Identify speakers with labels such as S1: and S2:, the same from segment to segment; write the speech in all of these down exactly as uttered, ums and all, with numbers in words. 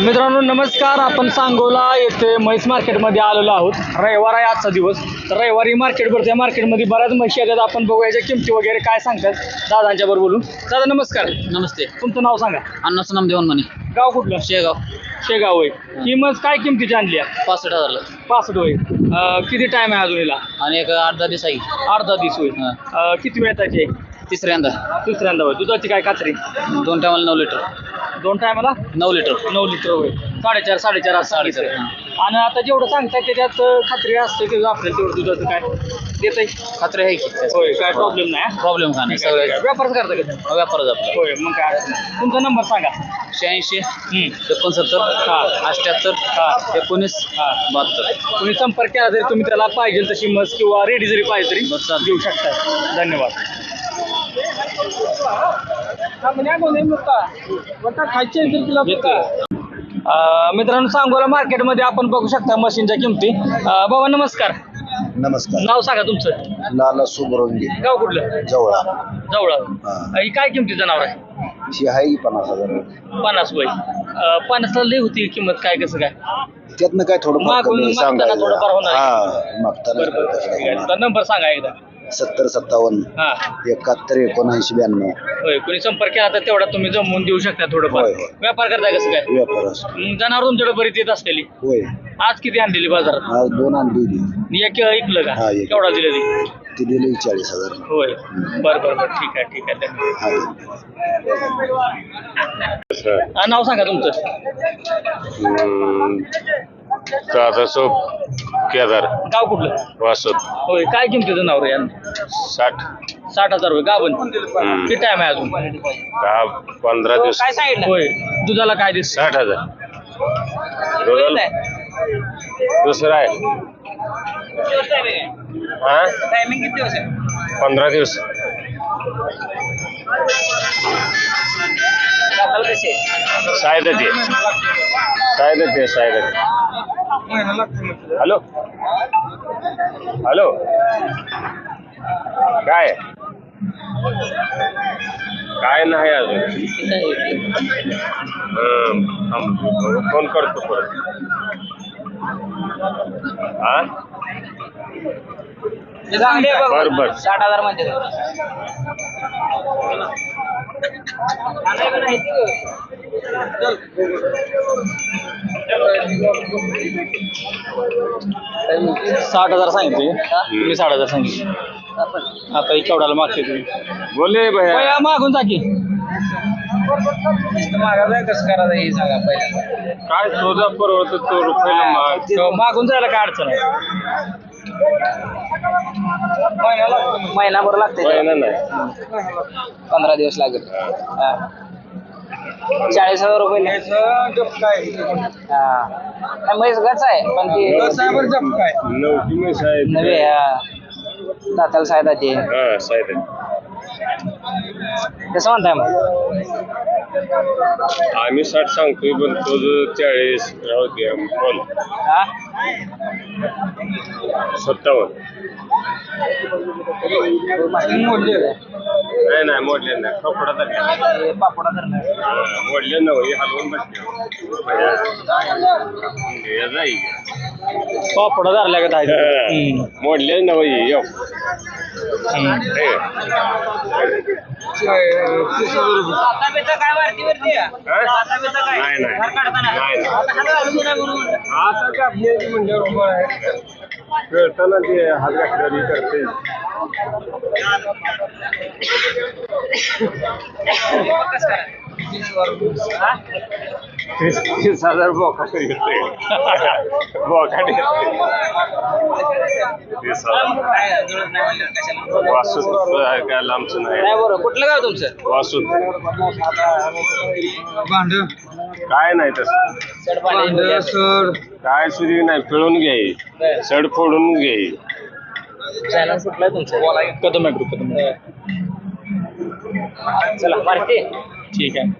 S1: मित्रांनो नमस्कार. आपण सांगोला येथे म्हैस मार्केटमध्ये आलेलो आहोत. रविवार आहे आजचा दिवस. तर रविवारी मार्केट भरते. या मार्केटमध्ये बऱ्याच म्हशी आहेत. आपण बघू याच्या किमती वगैरे काय सांगतात दादांच्या बरोबर बोलून. दादा नमस्कार.
S2: नमस्ते.
S1: तुमचं नाव सांगा.
S2: अण्णाचं नाम देवान म्हणे.
S1: गाव कुठलं?
S2: शेगाव.
S1: शेगाव होय. ही म्हस काय किमतीची आणली आहे?
S2: पासष्ट हजारला.
S1: पासष्ट होय. अं, किती टाइम आहे अजून हिला?
S2: आणि एक आठ दहा दिवस आहे.
S1: आठ दहा दिवस होईल. अं, किती वेळाची आहे?
S2: तिसऱ्यांदा.
S1: दुसऱ्यांदा होय. दुधाची काय खात्री?
S2: दोन टायमाला नऊ लिटर.
S1: दोन टायमाला
S2: नऊ लिटर.
S1: नऊ लिटर होय. साडेचार साडेचार असं
S2: साडेचार,
S1: सांगितलं. आणि आता जेवढं सांगताय त्याच्यात अं, खात्री असते की आपल्याला तेवढं दुधाचं काय देत आहे?
S2: खात्री आहे की?
S1: होय. काय प्रॉब्लेम नाही.
S2: प्रॉब्लेम का नाही. सगळं
S1: व्यापारच करता का?
S2: व्यापारच आपला.
S1: होय. मग काय अडचण नाही. तुमचा नंबर सांगा.
S2: शहाऐंशी
S1: हम्म.
S2: एकोणसत्तर
S1: हा.
S2: अठ्ठ्याहत्तर
S1: हा.
S2: एकोणीस
S1: हा.
S2: बहात्तर.
S1: तुम्ही संपर्क केला जरी तुम्ही त्याला पाहिजे तशी मस किंवा रेडी जरी पाहिजे तरी
S2: बरं, चालेल.
S1: देऊ शकता. धन्यवाद. अं, मित्रांनो सांगोला मार्केटमध्ये आपण बघू शकता मशीनच्या किमती. अं, बाबा नमस्कार.
S3: नमस्कार.
S1: नाव सांगा तुमचं.
S3: लाला सुबरंगी
S1: गाव कुठलं?
S3: जवळा.
S1: जवळ.
S3: हा.
S1: ही काय किमतीचं नाव आहे?
S3: ही आहे की पन्नास हजार.
S1: पन्नास वय. अं, पन्नासला लई होती किंमत. काय कसं काय?
S3: त्यातनं काय थोडं
S1: मागून मागताना थोडंफार होणार.
S3: हा मागताना
S1: तुमचा नंबर सांगा एकदा.
S3: सत्तर सत्तावन्न
S1: हा
S3: एकाहत्तर एकोणऐंशी ब्याण्णव.
S1: होय. कोणी संपर्क केला तर तेवढा तुम्ही जमवून देऊ शकता थोडंफार.
S3: होय, होय.
S1: व्यापार करताय कसं काय?
S3: व्यापार असतो.
S1: मग जनावर तुमच्याकडे बरीच येत असलेली.
S3: होय.
S1: आज किती आणलेली बाजारात?
S3: आज दोन आणली होती.
S1: एक ऐकलं का?
S3: हा, एक.
S1: केवढा दिलं ती?
S3: ती दिली चाळीस हजार.
S1: होय. बरं बरं बरं. ठीक आहे ठीक आहे.
S3: हा.
S1: हा, नाव सांगा तुमचं.
S4: दादा सोप केदार
S1: गाव कुठलं?
S4: वासत
S1: होय. काय किमतीचं नाव रे यानं?
S4: साठ
S1: साठ हजार होय. गावन.
S4: हम्म.
S1: किती टाइम आहे अजून?
S4: दहा पंधरा दिवस
S1: काय सांगितलं? होय. दुधाला काय दिसत?
S4: साठ हजार दुधाला दुसरा आहे हा
S1: टायमिंग किती दिवस आहे?
S4: पंधरा दिवस
S1: कसे?
S4: सायदा ते सायदा ते सायदा ते हॅलो हॅलो काय काय नाही अजून. हं, थांब. फोन करतो परत. हा बर बर.
S1: साठ हजार म्हणजे साठ हजार सांगितले. तुम्ही साठ हजार सांगितले. आता केवढ्याला मागते तुम्ही?
S4: बोले भैया
S1: भैया मागून जा की. मागायचं कसं करायचं हे सांगा पहिला.
S4: काय तुझा परवडत तो रुपयाला माग.
S1: मागून जायला काय अडचण आहे? महिनाभर लागते.
S4: महिना नाही
S1: पंधरा दिवस लागेल. हा. चाळीस हजार रुपये. हा म्हैस गच आहे पण ती
S4: नवटी म्हैस आहे.
S1: नवे दाताला सायदा ते
S4: हा सायदा
S1: कसं म्हणताय मग?
S4: आम्ही साठ सांगतोय पण तो जो चाळीस राहू दे बोल.
S1: हा
S4: सत्तावन्न नाही नाही मोडले नाही कपडा तर
S1: पापडा धरणार.
S4: मोडले नव्हे हलवून बसले
S1: पापडा धरल्या का?
S4: मोडले नव्हे येऊ
S1: काय वरती वरती
S4: नाही नाही आता कापण्याची म्हणजे रोबा आहे खेळताना ते हात घातल्यावर करते. तीस तीस हजार बोकाट घेते बोकाट घेते तीस हजार. वासूत काय लांबचं नाही.
S1: बरोबर. कुठलं गाव तुमचं?
S4: वासूत काय नाही तसं काय सुधी नाही. पिळून घ्याय सड फोडून घ्याय.
S1: चॅनल कुठलं आहे तुमचं? कदम आहे ग्रुप. कदम. चला मारते. ठीक आहे.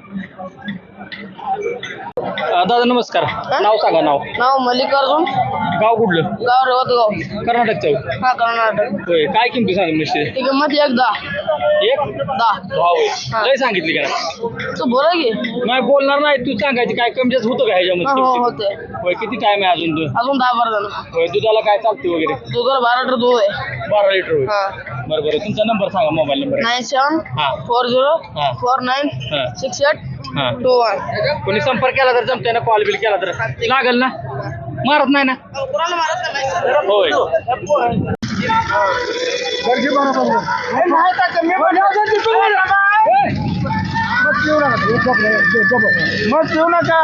S1: दादा नमस्कार. नाव सांगा. नाव
S5: नाव मल्लिकार्जुन.
S1: गाव कुठलं?
S5: गाव रवतगाव.
S1: कर्नाटकचं.
S5: हा कर्नाटक.
S1: होय. काय किमती सांगा निश्चित?
S5: ती किंमत एक दहा.
S1: एक
S5: दहा
S1: दहा होय लय सांगितली का
S5: तू बोला की
S1: नाही बोलणार नाही तू सांगायची काय कमी जास्त होतं का
S5: हो
S1: ह्याच्यामध्ये
S5: होते
S1: होय किती टाइम आहे अजून तू
S5: अजून दहा बारा जण
S1: होय दुधाला काय चालते वगैरे
S5: दुधाला बारा लिटर दूध आहे
S1: बारा लिटर होय
S5: हा
S1: बरं बरं तुमचा नंबर सांगा मोबाईल नंबर
S5: नाईन सेवन
S1: हा
S5: फोर झिरो
S1: हा.
S5: फोर नाईन
S1: हा.
S5: सिक्स एट
S1: हा
S5: टू वन
S1: कोणी संपर्क केला तर जमते ना कॉल बिल केला तर लागेल ना मारत नाही ना होय
S4: मग येऊ नका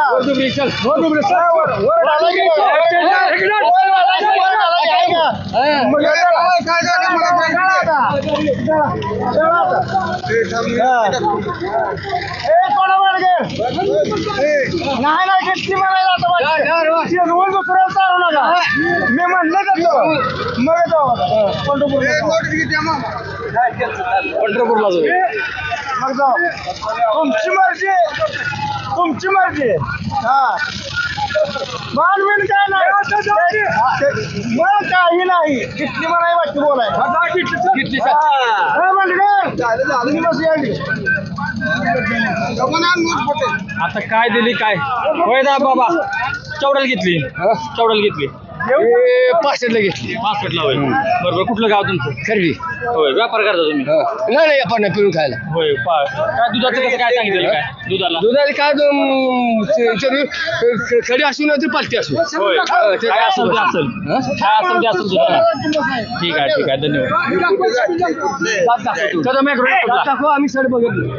S4: नाही नाही किती म्हणायला दुसऱ्याला चालू नका मी म्हणलं का मग
S1: पंढरपूरला जाऊ
S4: मग जाऊ तुमची मर्जी तुमची मर्जी हा मानवीन काय नाही मग काही नाही किती म्हणाय वाटते बोलाय
S1: आता काय दिली काय होय दा बाबा चौडाल घेतली चौडाल घेतली
S4: पाचशेला घेतली
S1: पासष्टला होय बरोबर कुठलं गाव तुमचं
S4: खरवी
S1: होय व्यापार करता तुम्ही
S4: नाही नाही आपण पिळून खायला
S1: होय पा- काय दुधाचं कसं काय सांगितलं काय दुधाला
S4: दुधाला काय खडी असू ना तरी पालती असू
S1: होय काय असेल ते असेल काय असेल ते असेल दुधाला ठीक आहे ठीक आहे धन्यवाद कदम एक रोड
S4: आम्ही सर बघितलं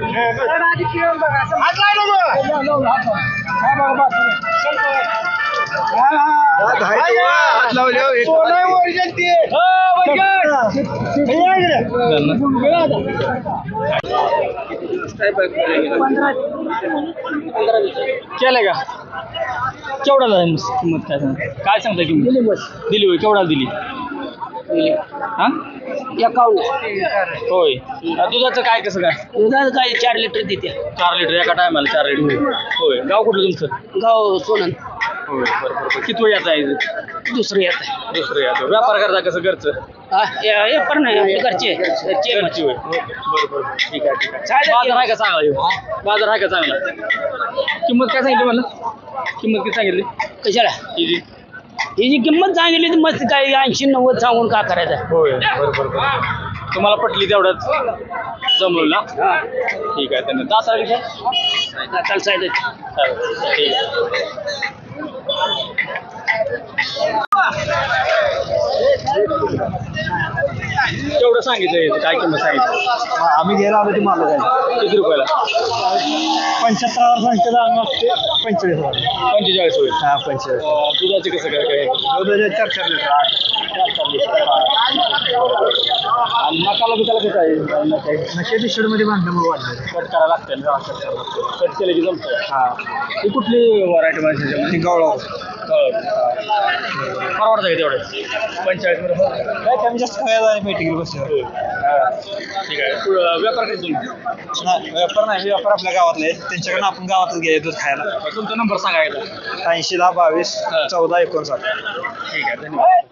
S1: केलंय का केवढा झाला किंमत काय सांग काय सांगता किंमत दिली होय केवढा दिली हा होय दुधाचं काय कसं काय
S5: दुधाचं काय चार लिटर देते
S1: चार लिटर एका टायमाला चार लिटर होय गाव कुठलं तुमचं
S5: गाव सोनन
S1: होय बरं बरं किती वेळ याचा आहे
S5: दुसरं येत आहे
S1: दुसरं याचं व्यापार करता कसं घरचं
S5: हे पण नाही आपले घरचे घरचे
S1: घरची होय बरं बरं ठीक आहे ठीक आहे बाजार आहे का चांगला ह्यो? बाजार आहे का चांगला किंमत काय सांगितली मला किंमत किती सांगितली
S5: कशाला
S1: हिची
S5: ही जी किंमत सांगितली ती मस्त काय ऐंशी नव्वद सांगून का करायचं
S1: होय बरं बरं बरं तुम्हाला पटली तेवढंच जमलं ना ठीक आहे त्यांना दासा विषय
S5: काल साहेब
S1: ठीक आहे केवढं सांगितलं काय किंमत सांगितलं
S4: आम्ही गेला आलो ती मला जायचं
S1: किती रुपयाला
S4: पंच्याहत्तर हजार सांगते आम्ही पंचेचाळीस हजार
S1: पंचेचाळीस होईल
S4: हा पंचेचाळीस
S1: अं, दुधाचं कसं काय काय
S4: चार चार लिटर आठ
S1: चार चार लिटर. आणि मसाला बिसाला कसं आहे
S4: नशे शेडमध्ये बांधल्यामुळे वाढलं
S1: कट करायला लागतं ना कट करायला लागतं कट केलं की जमतं हा ही कुठली व्हरायटी माझ्या
S4: गावळा
S1: परवडतं का तेवढे पंचेचाळीस मध्ये
S4: काय कमी जास्त खायला भेटी बस
S1: ठीक आहे पुढं व्यापार करतो तुम्ही
S4: व्यापार नाही व्यापार आपल्या गावातले आहेत त्यांच्याकडनं आपण गावातच घ्यायचं दूध खायला
S1: तुमचा नंबर सांगा एकदा
S4: ऐंशी दहा बावीस चौदा एकोणसाठ
S1: ठीक आहे धन्यवाद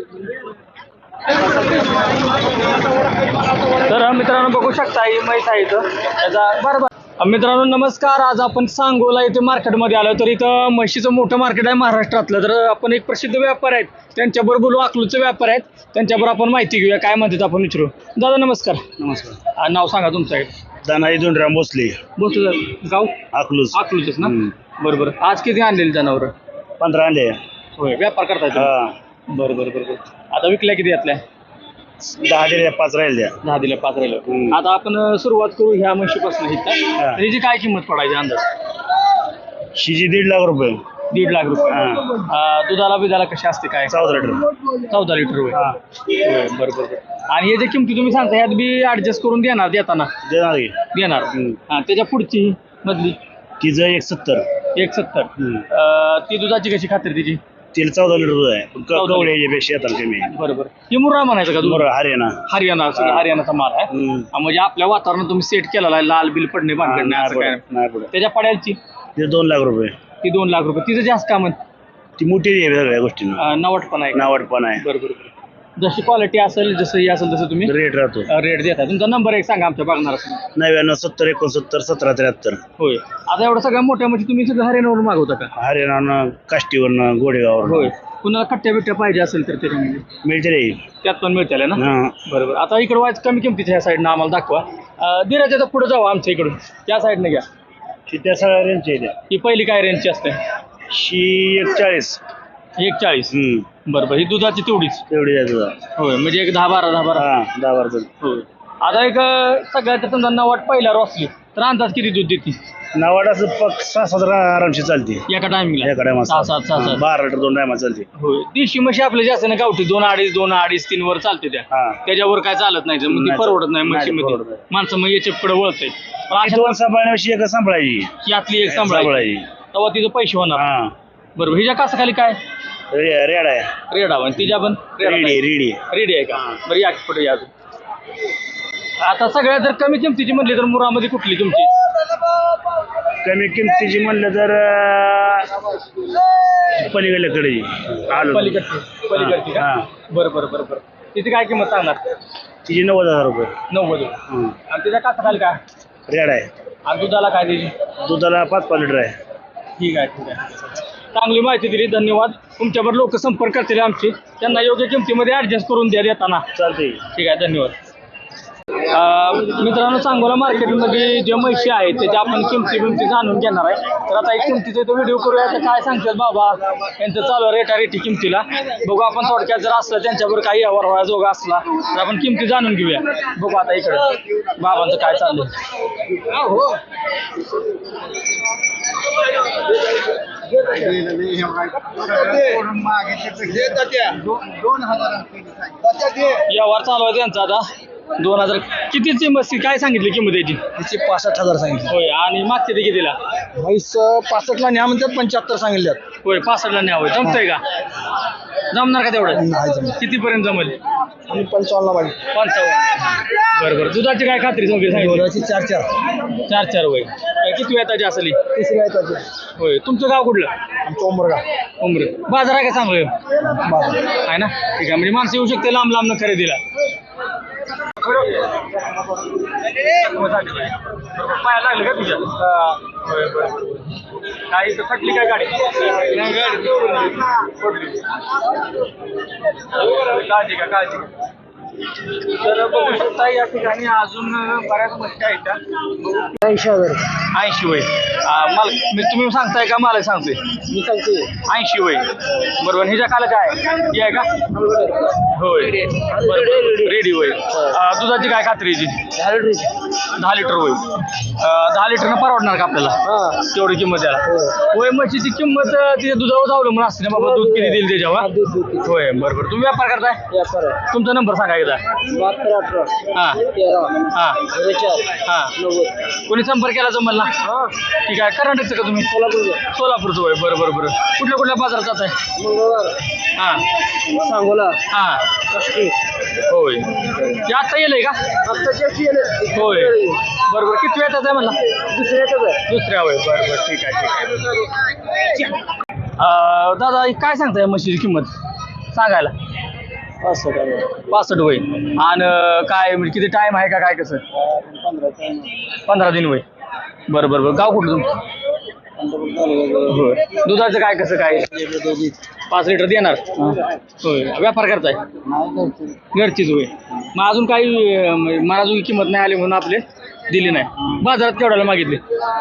S1: तर मित्रांनो बघू शकता ही म्हैस आहे इथं त्याचा बरोबर मित्रांनो नमस्कार आज आपण सांगोला इथे मार्केटमध्ये आलो तर इथं म्हशीचं मोठं मार्केट आहे महाराष्ट्रातलं तर आपण एक प्रसिद्ध व्यापार आहेत त्यांच्याबरोबर बोलू अकलूजचे व्यापार आहेत त्यांच्याबरोबर आपण माहिती घेऊया काय म्हणतात आपण विचारू दादा नमस्कार
S3: नमस्कार
S1: आ, नाव सांगा तुमचं आहे
S3: दानाई दोनराम भोसले
S1: बोलतो गाव
S3: अकलूज
S1: अकलूजच ना बरोबर आज किती आणलेली जनावर
S3: पंधरा अंडे
S1: होय व्यापार करताय तुम्ही? बरं बरं बरं बरं आता विकल्या किती यातल्या
S3: दहा दिले पाच राहील द्या
S1: दहा दिल्या पाच राहिलं आता आपण अं, सुरुवात करू ह्या म्हशीपासून
S3: हा.
S1: हिची काय किंमत पडायची अंदाज
S3: शिजी दीड लाख रुपये
S1: दीड लाख रुपये
S3: हा.
S1: अं, दुधाला बिधाला कशी असते काय
S3: चौदा लिटर
S1: चौदा लिटर होय होय बरं बरं बरं आणि हे जे किमती तुम्ही सांगता ह्यात बी ऍडजस्ट करून देणार देताना
S3: देणार की
S1: देणार
S3: हम्म.
S1: हा त्याच्या पुढची मधली
S3: तिचं एक सत्तर
S1: एक सत्तर
S3: हम्म.
S1: अं, ती दुधाची कशी खात्री तिची
S3: तिला चौदा लिटर दूध आहे पण
S1: चौदा
S3: कवडे याच्यापेक्षा येतात कमी
S1: बरोबर ही मुर्रा म्हणायचं का दूध
S3: बरं हरियाणा
S1: हरियाणा सगळं हरियाणाचा माल आहे
S3: हम्म.
S1: हा, म्हणजे आपल्या वातावरणात तुम्ही सेट केलेला आहे लाल बिल पडणे भानगड नाही असं काय
S3: नाही पुढे नाही पुढे
S1: त्याच्या पड्याची
S3: तिचं दोन लाख रुपये
S1: ती दोन लाख रुपये तिचं जास्त का म्हण
S3: ती मोठी आहे सगळ्या गोष्टींना
S1: नवट पण आहे
S3: नावट पण आहे
S1: बरोबर जशी क्वालिटी असेल जसं ही असेल तसं तुम्ही
S3: रेट राहतो
S1: रेट देता. तुमचा नंबर एक सांगा आमच्या बघणार
S3: नव्याण्णव सत्तर एकोणसत्तर सतरा त्र्याहत्तर.
S1: होय. आता एवढं सगळ्या मोठ्या म्हणजे तुम्ही सगळं हरियाणावरून मागवता का?
S3: हरियाणा काष्टीवरनं गोडेगावर
S1: होय. कुणाला कट्ट्या बिट्ट्या पाहिजे असेल तर त्याच्यामध्ये
S3: मिळते रे.
S1: त्यात पण मिळतील ना.
S3: हा.
S1: बरोबर. आता इकडं व्हायचं कमी किमतीच्या ह्या साईडनं आम्हाला दाखवा. दिराच्या तर पुढे जाऊ आमच्या इकडून त्या साईडनं घ्या.
S3: ती त्या सगळ्या रेंजच्या आहेत.
S1: ही पहिली काय रेंजची असते?
S3: शी एक चाळीस.
S1: एक चाळीस.
S3: हम्म
S1: बरोबर. ही दुधाची तेवढीच.
S3: तेवढी आहे तुझा.
S1: होय म्हणजे एक दहा बारा दहा बारा.
S3: हा दहा बारा जण.
S1: होय. आता एक सगळ्यात समजा नवाट पहिल्यावर असली तर अंदाज किती दूध देते?
S3: नवाडाचं पक सहा सात आरामशी चालते
S1: एका टायमिंगला
S3: एका टायमा
S1: सहा सात सहा सात.
S3: बारा लिटर दोन टायमा चालते.
S1: होय. देशी म्हशी आपल्या जास्त ना गावठी दोन अडीच दोन अडीच तीन वर चालते त्या.
S3: हा
S1: त्याच्यावर काय चालत नाही मग ती
S3: नाही,
S1: परवडत नाही
S3: नाही,
S1: म्हशीमध्ये.
S3: परवडत नाही.
S1: माणसं मग याच्या पुढे वळतंय. पण
S3: ती
S1: अशा
S3: दोन सांभाळण्याविषयी एक सांभाळायची.
S1: यातली एक सांभाळायची तेव्हा तिचं पैसे होणार.
S3: हा
S1: बरोबर. हिच्या कासा खाली काय
S3: रे- रेड आहे.
S1: रेड हवा तिच्या पण
S3: रेडी रेडी.
S1: रेडी आहे का? बरं या पुढे या. आता सगळ्यात जर कमी किमतीची म्हणली तर मुरामध्ये कुठली तुमची?
S3: कमी किमतीची म्हणलं तर अं, पलीकडल्याकडे आलो.
S1: पलीकडची पलीकडची का?
S3: हा.
S1: बरं बरं बरं बरं. तिची काय किंमत सांगणार?
S3: तिची नव्वद हजार रुपये.
S1: नव्वद.
S3: हं.
S1: आणि तिच्या कासा खाली काय?
S3: रेड आहे.
S1: आणि दुधाला काय द्यायची?
S3: दुधाला पाच पाच लिटर आहे.
S1: ठीक आहे ठीक आहे. चांगली माहिती दिली. धन्यवाद. तुमच्यावर लोक संपर्क करतील आमचे. त्यांना योग्य किमतीमध्ये ऍडजस्ट करून द्या देताना.
S3: चालते.
S1: ठीक आहे. धन्यवाद. अं, मित्रांनो सांगोला मार्केटमध्ये जे म्हशी आहेत त्याच्या आपण किमती बिमती जाणून घेणार आहे. तर आता एक किमतीचा तो व्हिडिओ करूया. तर काय सांगतात बाबा यांचं चालू आहे रेटा रेटी किमतीला. बघू आपण थोडक्यात जर असलं त्यांच्यावर काही व्यवहार व्हायला जोगा असला तर आपण किमती जाणून घेऊया. बघू आता इकडे बाबांचं काय चाललंय. व्यवहार चालू आहे त्यांचा आता. दोन हजार कितीची मस्ती काय सांगितली किंमत याची?
S4: तिचे पासष्ट हजार सांगितले.
S1: होय. आणि मागचे ते कितीला?
S4: म्हैस पासष्टला न्या म्हणतात पंच्याहत्तर सांगितल्यात.
S1: होय. पासष्टला न्यावं. जमतंय का? जमणार का तेवढं?
S4: नाही जमत.
S1: कितीपर्यंत जमेल?
S4: आणि पंचावन्नला पाहिजे.
S1: पंचावन्न. बरं बरं. दुधाची काय खात्री वगैरे सांगितली?
S4: दुधाची चार चार.
S1: चार चार वय. किती वेताची असली?
S4: तिसरी आहे त्याची.
S1: होय. तुमचं गाव कुठलं?
S4: आमचं उमरगा.
S1: उमरे. बाजार आहे का चांगलं
S4: बाजार.
S1: आहे ना? ठीक आहे. म्हणजे माणसं येऊ शकते लांब लांब खरेदीला. पाया लागलं का तुझ्या? होय बरं. काय इथं थकली काय गाडी? काळजी का काळजी. तर बघू शकता या ठिकाणी अजून बऱ्याच गोष्टी आहेत त्या.
S4: ऐंशी हजार.
S1: ऐंशी वय. मला मी तुम्ही सांगताय का मला सांगतोय?
S4: मी सांगते
S1: ऐंशी वय. बरोबर. हिच्या काला काय हे आहे का? होय. रेडी वय. दुधाची काय खात्रीची? दहा लिटर वय. दहा लिटरनं परवडणार का आपल्याला तेवढी किंमत द्यायला? होय. म्हशीची किंमत तिच्या दुधावर अवलंबून असते ना बाबा. दूध किती देईल त्याच्यावर? होय. बरोबर. तुम्ही व्यापार करताय? तुमचा नंबर सांगा एकदा.
S4: बहात्तर अठरा
S1: हां
S4: तेरा
S1: हां
S4: झिरो चार
S1: हां.
S4: नव्वद.
S1: कोणी संपर्क केला जमल ना? ठीक आहे. कर्नाटकचं का तुम्ही?
S4: सोलापूर.
S1: सोलापूरचं होय. बरं बरं बरं. कुठल्या कुठल्या बाजारात जात आहे?
S4: मंगळवार.
S1: हां
S4: सांगोला.
S1: हां.
S4: काष्टी.
S1: होय. ते आत्ता येलंय का?
S4: आत्ताची येले.
S1: होय. बरं बरं. किती वेळ आहे म्हणला?
S4: दुसऱ्याच आहे.
S1: दुसऱ्या होय. बरं बरं. ठीक आहे ठीक आहे. अं, दादा ही काय सांगताय म्हशीची किंमत सांगायला?
S4: असं काय
S1: पासष्ट वय. आणि काय म्हणजे किती टाइम आहे का काय कसं? पंधरा दिन वय. बरं बरं बरं. गाव कुठलं तुमचं? होय. दुधाचं काय कसं काय? पाच लिटर देणार? होय. व्यापार करताय? घरचीच होय. मग अजून काही अं, मला अजून किंमत नाही आली म्हणून आपले दिली नाही. बाजारात केवढ्याला मागितले?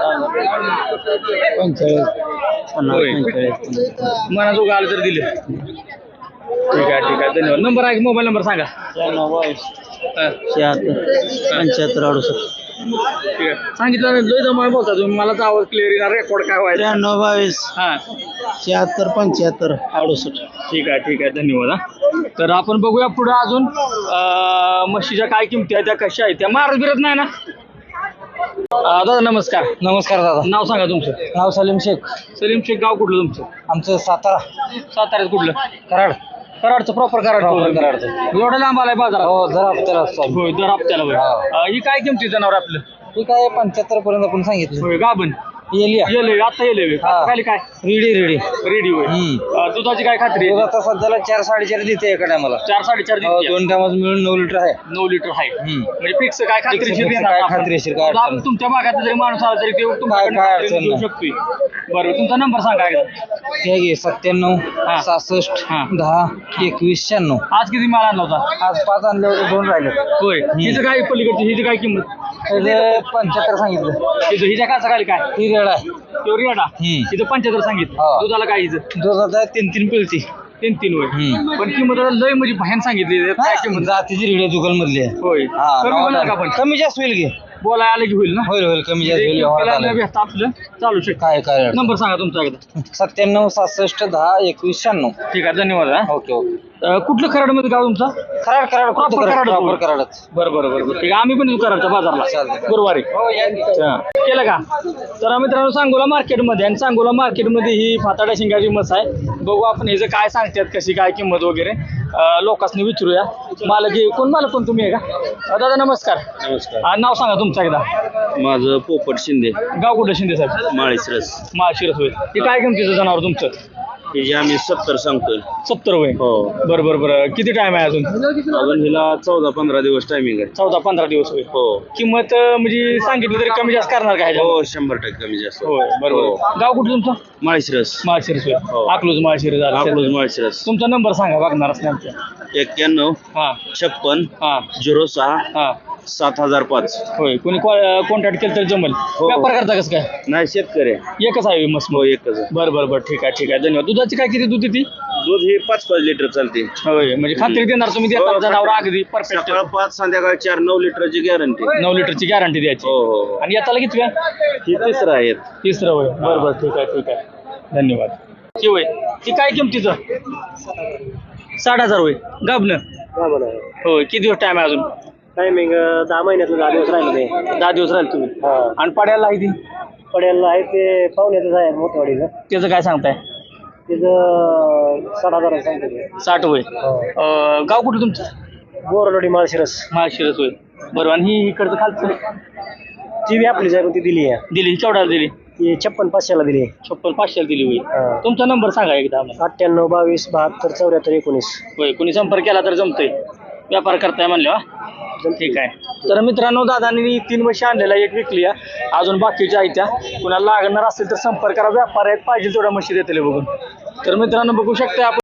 S1: होय. मनाजोगं आलं तर दिले. ठीक आहे ठीक आहे. धन्यवाद. नंबर आहे मोबाईल नंबर सांगा. हां.
S4: शहात्तर पंच्याहत्तर अडुसष्ट.
S1: ठीक आहे. सांगितलं नाही लय जमा बोलता तुम्ही. मला तर आवाज क्लिअर येणार. रेकॉर्ड काय व्हायचं?
S4: त्र्याण्णव बावीस
S1: हां.
S4: शहात्तर पंच्याहत्तर अडुसष्ट.
S1: ठीक आहे ठीक आहे. धन्यवाद. हां. तर आपण बघूया पुढे अजून अं, म्हशीच्या काय किमती आहेत त्या कशा आहेत त्या. मारत बिरत नाही ना? अं, दादा नमस्कार.
S4: नमस्कार दादा.
S1: नाव सांगा तुमचं.
S4: नाव सलीम शेख.
S1: सलीम शेख. गाव कुठलं तुमचं?
S4: आमचं सातारा.
S1: साताऱ्यात कुठलं?
S4: कराड.
S1: कराडचं प्रॉपर कराड.
S4: Proper कराडचं.
S1: एवढं लांब आलाय बाजारात?
S4: हो जरा हप्त्याला चालू.
S1: होय. दर हप्त्याला होय.
S4: हा.
S1: अं, ही काय किमती जनावर आपलं?
S4: ठीक आहे पंच्याहत्तर पर्यंत आपण सांगितलं.
S1: होय. गाभण येले आता येले खाली काय
S5: रेडी रेडी
S1: रेडी होय अं, दुधाची काय खात्री आहे?
S5: आता सध्याला चार साडेचार देते एका टायमाला
S1: चार साडेचार देते.
S5: दोन टायमाच मिळून नऊ लिटर आहे
S1: नऊ लिटर आहे म्हणजे फिक्स काय खात्रीशीर
S5: fix
S1: देणार
S5: काय
S1: आपण.
S5: खात्रीशीर काय
S1: तुला-
S5: अडचण नाही.
S1: तुमच्या भागात जरी माणूस आला तरी ते तुमच्याकडे
S5: काय
S1: खात्रीने
S5: अडचण
S1: देऊ
S5: नाही.
S1: शकतोय बरोबर तुमचा नंबर सांगा एकदा.
S5: हे घे सत्त्याण्णव
S1: हा.
S5: सहासष्ट
S1: हा.
S5: दहा एकवीस शहाण्णव
S1: आज किती माल आणला होता
S5: आज पाच आणले होते दोन राहिले
S1: होय हिचं काय पलीकडची हिची काय किंमत
S5: त्याचे पंच्याहत्तर सांगितलं
S1: हिचं हिच्या काय सकाळी काय
S5: ती रेड आहे
S1: तो रेडा
S5: हम्म.
S1: हिचं पंच्याहत्तर सांगितलं
S5: हा.
S1: दुधाला काय हिचं
S5: दुधाचा तीन तीन पिळती
S1: तीन तीन होय
S5: हम्म.
S1: पण किंमत आता लय म्हणजे भयान सांगितली काय किंमत
S5: जातीची रेड आहे दुकान मधली आहे
S1: होय
S5: हा,
S1: कमी होणार का पण
S5: कमी जास्त होईल घे
S1: बोलायला आलं की होईल ना
S5: होईल होईल कमी जास्त होईल व्यवहारात
S1: तिला
S5: आलं.
S1: भेटतं आपलं चालू शकतं
S5: काय काय अडचण.
S1: नंबर सांगा तुमचा एकदा
S5: सत्त्याण्णव सहासष्ट दहा एकवीस शहाण्णव
S1: ठीक आहे धन्यवाद हा.
S5: ओके ओके
S1: अं, कुठलं खराडमध्ये गाव तुमचा
S5: कराड कराड
S1: Proper कराड होतं.
S5: प्रॉपर कराडच
S1: बरं बरं बरं बरं ठीक आहे आम्ही पण येऊ कराडच्या बाजारला
S5: चालतंय.
S1: गुरुवारी अच्छा. केलं का तर मित्रांनो सांगोला मार्केटमध्ये आणि सांगोला मार्केटमध्ये ही फाताड्या शिंगाची मस आहे बघू आपण ह्याचं काय सांगतात कशी काय किंमत वगैरे अं, लोकांनी विचारूया मालक हे- कोण मालक कोण तुम्ही आहे का अं, दादा नमस्कार
S3: नमस्कार
S1: अं, नाव सांगा तुमचं एकदा
S3: माझं पोपट शिंदे
S1: गाव कुठं शिंदे साहेब
S3: माळीसरस
S1: माळशिरस होय हे काय किमतीचं जनावर तुमचं
S3: हे जे आम्ही सत्तर सांगतोय
S1: सत्तर होय
S3: हो
S1: बरं बरं बरं किती टाइम आहे अजून
S3: अजून हिला चौदा पंधरा दिवस टायमिंग आहे
S1: चौदा पंधरा दिवस होय
S3: हो
S1: किंमत अं, म्हणजे सांगितलं तरी कमी जास्त करणार का ह्याच्यावर?
S3: हो शंभर टक्के कमी जास्त
S1: होय बरोबर गाव कुठं तुमचं
S3: माळीसरस
S1: माळशिरस होय
S3: हो.
S1: अकलूज माळशिरस झालं
S3: अकलूज माळशिरस
S1: तुमचा नंबर सांगा बघणार असणे आमच्या
S3: एक्क्याण्णव
S1: हां
S3: छप्पन
S1: हां
S3: झिरो सहा
S1: हां
S3: सात हजार पाच
S1: होय कोणी कॉन्टॅक्ट केलं तर जमल व्यापार करता कसं काय
S3: नाही शेतकरी आहे.
S1: एकच आहे मस्त
S3: हो एकच आहे.
S1: बरं बरं बरं ठीक आहे ठीक आहे धन्यवाद दुधाची काय किती दूध येते
S3: दूध हे पाच पाच लिटर चालते
S1: होय म्हणजे खात्री देणार तुम्ही देता जनावर अगदी परफेक्ट
S3: सकाळ पाच संध्याकाळ चार नऊ लिटरची गॅरंटी
S1: नऊ लिटरची गॅरंटी द्यायची
S3: हो हो हो.
S1: आणि याला किती काय
S3: ही तिसरं आहे
S1: तिसरं होय बरं बरं ठीक आहे ठीक आहे धन्यवाद ती होय ती काय किमतीचं साठ हजार होय गाबनं होय किती दिवस टाइम आहे अजून
S4: टायमिंग दहा महिन्यातलं दहा दिवस राहिले ते
S1: दहा दिवस राहील तुम्ही
S4: हा
S1: आणि पाड्याला आहे ती
S4: पडेल आहे ते पाहुण्याचं आहे मोठवाडीचं
S1: त्याचं काय सांगताय
S4: तिथं साठ हजार सांगतो
S1: साठ होय अं, गाव कुठं तुमचं
S4: बोरलोडी माळशिरस
S1: महाशिरस होय बरं आणि ही इकडचं खालचं
S4: ती बी आपलीच आहे पण ती दिली आहे
S1: दिली ही केवढ्याला दिली
S4: ती छप्पन पाचशेला दिली आहे
S1: छप्पन पाचशेला दिली होय
S4: हा.
S1: तुमचा नंबर सांगा एकदा आम्हाला
S4: अठ्ठ्याण्णव बावीस बहात्तर चौऱ्याहत्तर एकोणीस
S1: होय कोणी संपर्क केला तर जमतोय व्यापार करताय म्हणले ठीक आहे तर मित्रांनो दादांनी तीन म्हशी आणलेल्या एक विकली आहे अजून बाकीच्या आहेत त्या कुणाला लागणार असेल तर संपर्क करा व्यापार आहेत पाहिजे तेवढ्या म्हशी देतील बघून तर मित्रांनो बघू शकता आपण